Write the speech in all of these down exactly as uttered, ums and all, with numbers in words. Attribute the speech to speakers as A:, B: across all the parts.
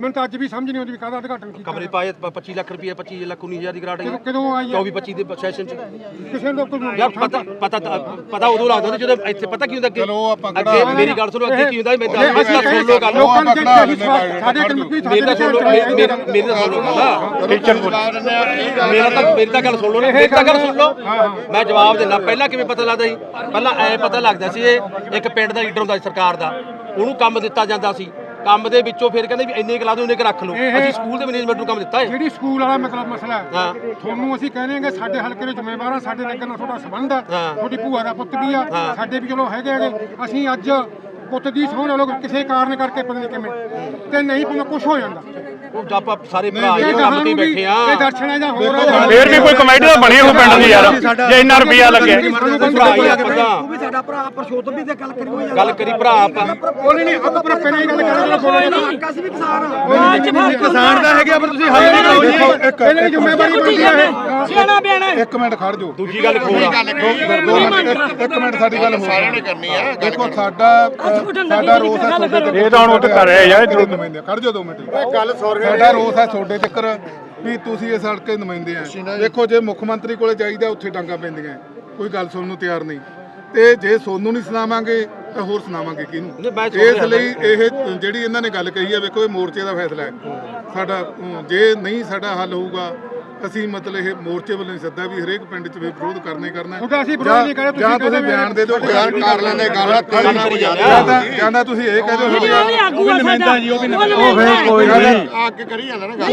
A: ਮੈਨੂੰ ਤਾਂ ਅੱਜ ਵੀ ਸਮਝ ਨਹੀਂ ਆਉਂਦੀ ਵੀ ਕਾਹਦਾ ਉਦਘਾਟਨ ਕੀਤਾ
B: ਕਮਰੇ ਪਾਏ ਪੱਚੀ ਲੱਖ ਰੁਪਏ ਪੱਚੀ ਲੱਖ ਉੱਨੀ ਹਜ਼ਾਰ ਦੀ ਗ੍ਰਾਂਟ ਆਈ
A: ਕਦੋਂ ਆਈ
B: ਚੌਵੀ ਪੱਚੀ ਦੇ ਸੈਸ਼ਨ ਚ
A: ਕਿਸੇ ਨੂੰ ਕੋਈ
B: ਯਾਰ ਪਤਾ ਪਤਾ ਪਤਾ ਉਦੋਂ ਲੱਗਦਾ ਜਦੋਂ ਇੱਥੇ ਪਤਾ ਕੀ ਹੁੰਦਾ ਅੱਗੇ
C: ਚਲੋ ਆਪਾਂ
B: ਅੱਗੇ ਮੇਰੀ ਗੱਲ ਸੁਣੋ ਅੱਗੇ ਕੀ ਹੁੰਦਾ ਮੈਂ ਦੱਸ ਸੁਣ ਲਓ ਗੱਲ
A: ਲੋਕਾਂ ਨੂੰ ਸਾਡੇ ਕਮਿਟੀ
B: ਮੇਰੀ ਤਾਂ ਸੁਣ ਲਓ ਮੇਰੀ ਤਾਂ ਸੁਣ ਲਓ ਗੱਲ ਟੀਚਰ ਬੋਲ ਮੇਰਾ ਤਾਂ ਮੇਰੀ ਤਾਂ ਗੱਲ ਸੁਣ ਲਓ ਮੇਰੀ ਤਾਂ ਗੱਲ ਸੁਣ ਲਓ ਮੈਂ ਜਵਾਬ ਦਿੰਦਾ ਪਹਿਲਾਂ ਕਿਵੇਂ ਪਤਾ ਲੱਗਦਾ ਸੀ ਪਹਿਲਾਂ ਐ ਪਤਾ ਲੱਗਦਾ ਸੀ ਇਹ ਇੱਕ ਪਿੰਡ ਦਾ ਲੀਡਰ ਹੁੰਦਾ ਸੀ ਸਰਕਾਰ ਦਾ ਉਹਨੂੰ ਕੰਮ ਦਿੱਤਾ ਜਾਂਦਾ ਸੀ ਕੰਮ ਦੇ ਵਿੱਚੋਂ ਫਿਰ ਕਹਿੰਦੇ ਵੀ ਇੰਨੇ ਕਲਾ ਦੋ ਇੰਨੇ ਕ ਰੱਖ ਲਓ ਅਸੀਂ ਸਕੂਲ ਦੇ ਮੈਨੇਜਮੈਂਟ ਨੂੰ ਕੰਮ ਦਿੱਤਾ ਹੈ
A: ਜਿਹੜੀ ਸਕੂਲ ਵਾਲਾ ਮਤਲਬ ਮਸਲਾ ਹੈ ਤੁਹਾਨੂੰ ਅਸੀਂ ਕਹਿੰਦੇ ਹਾਂ ਕਿ ਸਾਡੇ ਹਲਕੇ ਦੇ ਜ਼ਿੰਮੇਵਾਰ ਆ ਸਾਡੇ ਨਗਰ ਨਾਲ ਤੁਹਾਡਾ ਸੰਬੰਧ ਹੈ ਤੁਹਾਡੀ ਭੂਆ ਦਾ ਪੁੱਤ ਵੀ ਆ ਸਾਡੇ ਵੀ ਚਲੋ ਹੈਗੇ ਹੈਗੇ ਅਸੀਂ ਅੱਜ ਪੁੱਤ ਦੀ ਸਹੁੰ ਨਾਲ ਕਿਸੇ ਕਾਰਨ ਕਰਕੇ ਪਤਾ ਨਹੀਂ ਕਿਵੇਂ ਤੇ ਨਹੀਂ ਪਤਾ ਕੁਝ ਹੋ ਜਾਂਦਾ
B: ਉਹ ਆਪਾਂ ਸਾਰੇ ਭਰਾ ਇਹ ਕੰਮ ਤੇ ਬੈਠੇ ਆ
A: ਇਹ ਦਰਸ਼ਨਾਂ ਜਾਂ ਹੋਰ
D: ਫੇਰ ਵੀ ਕੋਈ ਕਮੇਟੀ ਤਾਂ ਬਣੀ ਹੋ ਪਿੰਡ ਦੀ ਯਾਰ ਜੇ ਇੰਨਾ ਰੁਪਿਆ ਲੱਗਿਆ
B: ਉਹ
E: ਵੀ ਸਾਡਾ ਭਰਾ ਪਰਸ਼ੋਤਮ ਵੀ ਤੇ ਗੱਲ ਕਰੀ ਹੋਈ
B: ਗੱਲ ਕਰੀ ਭਰਾ ਆਪਾਂ
A: ਕੋਈ ਨਹੀਂ ਆਪਾਂ ਪਰ ਪਹਿਲਾਂ ਹੀ ਗੱਲ ਕਰਾਂਗੇ
E: ਅਸੀਂ ਵੀ ਕਿਸਾਨ
C: ਕਿਸਾਨ ਦਾ ਹੈਗਾ ਪਰ ਤੁਸੀਂ ਹਾਈ ਨਹੀਂ ਕਰੋ ਜੀ
A: ਪਹਿਲਾਂ ਹੀ ਜ਼ਿੰਮੇਵਾਰੀ ਬਣਦੀ ਹੈ
E: ਸਿਆਣਾ ਬਿਆਣਾ
C: ਇੱਕ ਮਿੰਟ ਖੜ ਜਾਓ
B: ਦੂਜੀ ਗੱਲ ਖੋਲ
C: ਇੱਕ ਮਿੰਟ ਸਾਡੀ ਗੱਲ ਸਾਰਿਆਂ ਨੇ ਕਰਨੀ ਆ ਦੇਖੋ ਸਾਡਾ ਸਾਡਾ ਰੋਸ ਹੈ ਤੁਹਾਡੇ
D: ਇਹ ਤਾਂ ਹੁਣ ਉੱਥੇ ਕਰ ਰਿਹਾ ਯਾਰ
C: ਨੁਮਾਇੰਦੇ ਖੜ ਜਾਓ ਦੋ ਮਿੰਟ ਗੱਲ ਸਾਡਾ ਰੋਸ ਹੈ ਤੁਹਾਡੇ ਚੱਕਰ ਵੀ ਤੁਸੀਂ ਇਸ ਹਲਕੇ ਨੁਮਾਇੰਦੇ ਆ ਦੇਖੋ ਜੇ ਮੁੱਖ ਮੰਤਰੀ ਕੋਲੇ ਜਾਈਦਾ ਉੱਥੇ ਡਾਂਗਾ ਪੈਂਦੀਆਂ ਕੋਈ ਗੱਲ ਸੁਣਨ ਨੂੰ ਤਿਆਰ ਨਹੀਂ ਤੇ ਜੇ ਸੋਨੂੰ ਨਹੀਂ ਸੁਣਾਵਾਂਗੇ ਤਾਂ ਹੋਰ ਸੁਣਾਵਾਂਗੇ ਕਿਹਨੂੰ ਇਸ ਲਈ ਇਹ ਜਿਹੜੀ ਇਹਨਾਂ ਨੇ ਗੱਲ ਕਹੀ ਹੈ ਵੇਖੋ ਇਹ ਮੋਰਚੇ ਦਾ ਫੈਸਲਾ ਹੈ ਸਾਡਾ ਜੇ ਨਹੀਂ ਸਾਡਾ ਹੱਲ ਹੋਊਗਾ ਅਸੀਂ ਮਤਲਬ ਇਹ ਮੋਰਚੇ ਵੱਲੋਂ ਸੱਦਾ ਵੀ ਹਰੇਕ ਪਿੰਡ 'ਚ ਵਿਰੋਧ ਕਰਨਾ ਹੀ ਕਰਨਾ ਜਾਂ ਤੁਸੀਂ ਬਿਆਨ ਦੇ ਦਿਓ ਕਰ ਲੈਣੇ ਗੱਲ ਜਾਂਦਾ ਤੁਸੀਂ ਇਹ ਕਹਿ ਦਿਓ ਅੱਗੇ ਕਰੀ ਜਾਂਦਾ ਨਾ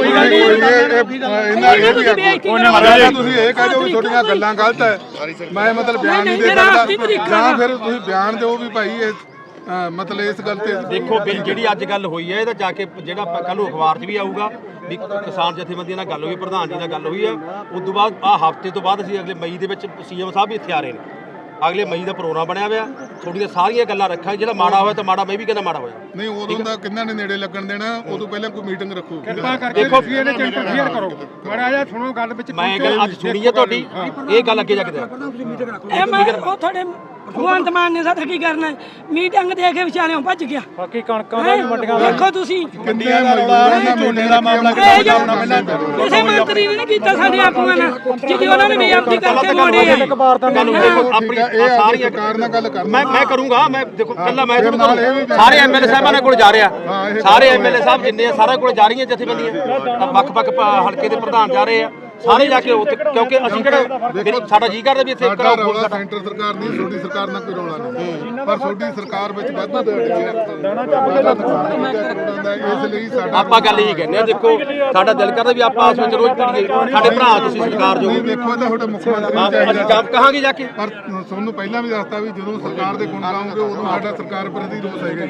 C: ਤੁਸੀਂ ਇਹ ਕਹਿ ਦਿਓ ਵੀ ਤੁਹਾਡੀਆਂ ਗੱਲਾਂ ਗਲਤ ਹੈ ਮੈਂ ਮਤਲਬ ਬਿਆਨ ਨਹੀਂ ਦੇ ਸਕਦਾ ਜਾਂ ਫਿਰ ਤੁਸੀਂ ਬਿਆਨ ਦਿਓ ਵੀ ਭਾਈ ਇਹ ਮਤਲਬ ਇਸ ਗੱਲ ਤੇ
B: ਦੇਖੋ ਬਿੱਲ ਜਿਹੜੀ ਅੱਜ ਗੱਲ ਹੋਈ ਹੈ ਇਹਦਾ ਜਾ ਕੇ ਜਿਹੜਾ ਕੱਲ ਨੂੰ ਅਖਬਾਰ 'ਚ ਵੀ ਆਊਗਾ ਵੀ ਕਿਸਾਨ ਜਥੇਬੰਦੀਆਂ ਨਾਲ ਗੱਲ ਹੋਈ ਪ੍ਰਧਾਨ ਜੀ ਨਾਲ ਗੱਲ ਹੋਈ ਹੈ ਉਸ ਤੋਂ ਬਾਅਦ ਆਹ ਹਫ਼ਤੇ ਤੋਂ ਬਾਅਦ ਅਸੀਂ ਅਗਲੇ ਮਈ ਦੇ ਵਿੱਚ ਸੀਐਮ ਸਾਹਿਬ ਵੀ ਇੱਥੇ ਆ ਰਹੇ ਨੇ ਅਗਲੇ ਮਈ ਦਾ ਪ੍ਰੋਗਰਾਮ ਬਣਿਆ ਹੋਇਆ ਥੋੜੀਆਂ ਸਾਰੀਆਂ ਗੱਲਾਂ ਰੱਖਾਂ ਜਿਹੜਾ ਮਾੜਾ ਹੋਇਆ ਤਾਂ ਮਾੜਾ ਮੈਂ ਵੀ ਕਹਿੰਦਾ ਮਾੜਾ ਹੋਇਆ
C: ਨਹੀਂ ਉਦੋਂ ਦਾ ਕਿੰਨਾ ਨੇ ਨੇੜੇ ਲੱਗਣ ਦੇਣਾ ਉਦੋਂ ਪਹਿਲਾਂ ਕੋਈ ਮੀਟਿੰਗ ਰੱਖੋ
A: ਕਿਰਪਾ ਕਰਕੇ ਤੁਸੀਂ ਇਹਦੇ ਚ ਇੰਟਰਫੇਅਰ ਕਰੋ ਮਾੜਾ ਜਿਹਾ ਸੁਣੋ ਗੱਲ ਵਿੱਚ
B: ਮੈਂ ਗੱਲ ਅੱਜ ਸੁਣੀ ਹੈ ਤੁਹਾਡੀ ਇਹ ਗੱਲ ਅੱਗੇ ਜਾ ਕੇ
E: ਇਹ ਮੈਂ ਉਹ ਤੁਹਾਡੇ ਭਗਵੰਤ ਮਾਨ ਨੇ ਸਾਡਾ ਕੀ ਕਰਨਾ ਮੀਟਿੰਗ ਦੇ ਕੇ ਵਿਚਾਰਿਆਂ ਭੱਜ ਗਿਆ
D: ਬਾਕੀ ਕਣਕਾਂ ਦਾ ਵੀ ਮੰਡੀਆਂ
E: ਦੇਖੋ ਤੁਸੀਂ
C: ਕਿੰਨੇ ਰੌਲਾ ਝੋਨੇ ਦਾ ਮਾਮਲਾ
E: ਕਿਸੇ ਮੰਤਰੀ ਨੇ ਨਹੀਂ ਕੀਤਾ ਸਾਡੇ ਆਗੂਆਂ ਨਾਲ ਜਿਹਦੀ ਉਹਨਾਂ ਨੇ ਬੇਅਦਬੀ ਕਰਕੇ ਮੋੜੇ ਆ
B: ਆਪਣੀ ਸਾਰੀਆਂ
C: ਸਰਕਾਰ ਨਾਲ ਗੱਲ ਕਰਨਾ
B: ਮੈਂ ਮੈਂ ਕਰੂੰਗਾ ਮੈਂ ਦੇਖੋ ਕੱਲਾ ਮੈਂ ਤੁਹਾਨੂੰ ਸਾਰੇ ਐਮਐਲਏ ਸਾਹਿਬਾਂ ਕੋਲ ਜਾ ਰਿਹਾ ਸਾਰੇ ਐਮਐਲਏ ਸਾਹਿਬ ਜਿੰਨੇ ਆ ਸਾਰਿਆਂ ਕੋਲ ਜਾ ਰਹੀਆਂ ਜਥੇਬੰਦੀਆਂ ਵੱਖ-ਵੱਖ ਹਲਕੇ ਦੇ ਪ੍ਰਧਾਨ ਜਾ ਰਹੇ ਆ ਸਾਰੇ ਜਾ ਕੇ ਉੱਥੇ ਕਿਉਂਕਿ ਅਸੀਂ ਕਿਹੜਾ ਸਾਡਾ ਜੀ ਕਰਦਾ ਵੀ ਇੱਥੇ
C: ਸਾਡਾ ਰੌਲਾ ਸੈਂਟਰ ਸਰਕਾਰ ਦੀ ਤੁਹਾਡੀ ਸਰਕਾਰ ਨਾਲ ਕੋਈ ਰੌਲਾ ਨਹੀਂ ਪਰ ਤੁਹਾਡੀ ਸਰਕਾਰ ਵਿੱਚ ਵਾਧਾ ਇਸ ਲਈ ਸਾਡਾ
B: ਆਪਾਂ ਗੱਲ ਇਹ ਕਹਿੰਦੇ ਆ ਦੇਖੋ ਸਾਡਾ ਦਿਲ ਕਰਦਾ ਵੀ ਆਪਾਂ ਆਪਸ ਵਿੱਚ ਰੋਜ਼ ਪੜੀਏ ਸਾਡੇ ਭਰਾ ਤੁਸੀਂ ਸਰਕਾਰ ਜੋ
C: ਦੇਖੋ ਤਾਂ ਤੁਹਾਡਾ ਮੁੱਖ ਮੰਤਰੀ
B: ਅਸੀਂ ਕੰਮ ਕਹਾਂਗੇ ਜਾ ਕੇ
C: ਪਰ ਤੁਹਾਨੂੰ ਪਹਿਲਾਂ ਵੀ ਦੱਸਤਾ ਵੀ ਜਦੋਂ ਸਰਕਾਰ ਦੇ ਗੁਣ ਗਾਉਂਗੇ ਉਦੋਂ ਸਾਡਾ ਸਰਕਾਰ ਪ੍ਰਤੀ ਰੋਸ ਹੈਗਾ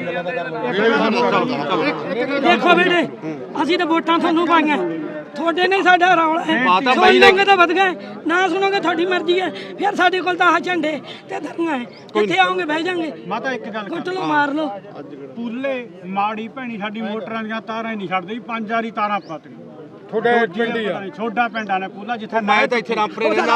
E: ਦੇਖੋ ਬੇਟੇ ਅਸੀਂ ਤਾਂ ਵੋਟਾਂ ਤੁਹਾਨੂੰ ਪਾਈਆਂ ਤੁਹਾਡੇ ਨੇ ਸਾਡਾ ਰੌਲਾ ਹੈ ਸੁਣੋਗੇ ਤਾਂ ਵਧ ਗਏ ਨਾ ਸੁਣੋਗੇ ਤੁਹਾਡੀ ਮਰਜ਼ੀ ਹੈ ਫਿਰ ਸਾਡੇ ਕੋਲ ਤਾਂ ਆਹ ਝੰਡੇ ਤੇ ਧਰਨਾ ਹੈ ਕਿੱਥੇ ਆਉਂਗੇ ਬਹਿ ਜਾਾਂਗੇ
D: ਮਾਤਾ ਇੱਕ ਗੱਲ
E: ਕੁੱਟ ਲਓ ਮਾਰ ਲਓ
D: ਪੂਲੇ ਮਾੜੀ ਭੈਣੀ ਸਾਡੀ ਮੋਟਰਾਂ ਦੀਆਂ ਤਾਰਾਂ ਹੀ ਨਹੀਂ ਛੱਡਦੀ ਪੰਜ ਵਾਰੀ ਤਾਰਾਂ ਪਾਤੀਆਂ
A: ਤੁਹਾਡੇ ਪਿੰਡ ਹੀ ਆ
D: ਛੋਡਾ ਪਿੰਡ ਆ ਨੇ ਪੂਲਾ ਜਿੱਥੇ
B: ਮੈਂ ਤਾਂ ਇੱਥੇ ਰਾਮਪੁਰੇ ਰਹਿਣਾ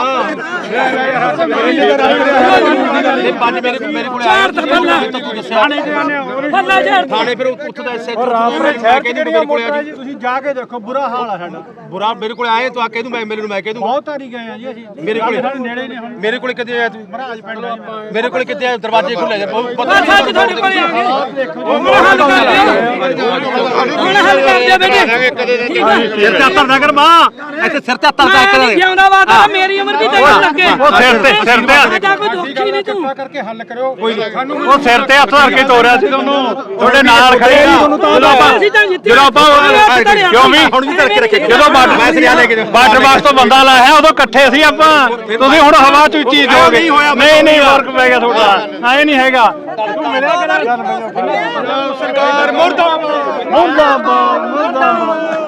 B: ਇਹ ਪੰਜ ਮੇਰੇ ਮੇਰੇ ਕੋਲ ਆਇਆ ਤੂੰ ਦੱਸਿਆ
E: ਬੱਲਾ ਝਾੜ
B: ਥਾਣੇ ਫਿਰ ਉੱਥੇ ਦਾ ਐਸਐਚ
D: ਰਾਮਪੁਰੇ ਸ਼ਹਿਰ ਕਿਹੜੀ ਮੋਟਰਾਂ ਜੀ ਤੁਸੀਂ ਜਾ ਕੇ ਦੇਖੋ ਬੁਰਾ ਹਾਲ ਆ ਸਾਡਾ
B: ਬੁਰਾ ਮੇਰੇ ਕੋਲ ਆਏ ਤੂੰ ਆ ਕਹਿ ਦੂੰ ਮੈਂ ਐਮਐਲਏ ਨੂੰ ਮੈਂ ਕਹਿ ਦੂੰ
D: ਬਹੁਤ ਵਾਰੀ ਗਏ ਆ ਜੀ ਅਸੀਂ
B: ਮੇਰੇ ਕੋਲ
D: ਨੇੜੇ ਨੇ ਹੁਣ
B: ਮੇਰੇ ਕੋਲ ਕਿੱਥੇ ਆਇਆ ਤੂੰ
D: ਮਹਾਰਾਜ ਪਿੰਡ
B: ਮੇਰੇ ਕੋਲ ਕਿੱਥੇ ਆਇਆ ਦਰਵਾਜ਼ੇ ਖੁੱਲੇ ਜਾ
E: ਪਤਾ ਨਹੀਂ ਤੁਹਾਡੇ ਕੋਲੇ ਆ ਗਏ ਹੁਣ ਹੱਲ ਕਰ ਦਿਓ ਹੁਣ ਹੱਲ ਕਰ ਦਿਓ ਬੇਟੇ
B: ਸਿਰ ਤੇ ਹੱਥ ਕਰ ਮਾਂ ਇੱਥੇ ਸਿਰ ਤੇ ਹੱਥ ਰੱਖ
E: ਕੇ ਜਿਉਂਦਾ ਵਾਦਾ ਮੇਰੀ ਉਮਰ ਵੀ ਤੈਨੂੰ ਲੱਗੇ
D: ਉਹ ਸਿਰ ਤੇ ਸਿਰ ਤੇ
E: ਸਾਡਾ ਕੋਈ ਦੁੱਖੀ ਨਹੀਂ ਤੂੰ
A: ਕਰਕੇ ਹੱਲ ਕਰਿਓ ਸਾਨੂੰ
D: ਉਹ ਸਿਰ ਤੇ ਹੱਥ ਧਰ ਕੇ ਤੋਰਿਆ ਸੀ ਤੁਹਾਨੂੰ ਤੁਹਾਡੇ ਨਾਲ ਖੜੇ ਆ ਜਦੋਂ ਆਪਾਂ ਜਦੋਂ ਆਪਾਂ ਕਿਉਂ ਵੀ
B: ਹੁਣ ਵੀ ਧਰ ਕੇ ਰੱਖੇ
D: ਜਦੋਂ ਬਾਰਡਰ ਬਾਕਸ ਤੋਂ ਬੰਦਾ ਲਾਇਆ ਉਦੋਂ ਇਕੱਠੇ ਸੀ ਆਪਾਂ ਤੁਸੀਂ ਹੁਣ ਹਵਾ ਚ ਉੱਚੀ ਜਾਓਗੇ ਨਹੀਂ ਨਹੀਂ ਫਰਕ ਪੈ ਗਿਆ ਤੁਹਾਡਾ ਐ ਨਹੀਂ ਹੈਗਾ ਤੂੰ ਮਿਲਿਆ ਕਿਹੜਾ ਸਰਕਾਰ ਮੁਰਦਾਬਾਦ ਮੁਰਦਾਬਾਦ ਮੁਰਦਾਬਾਦ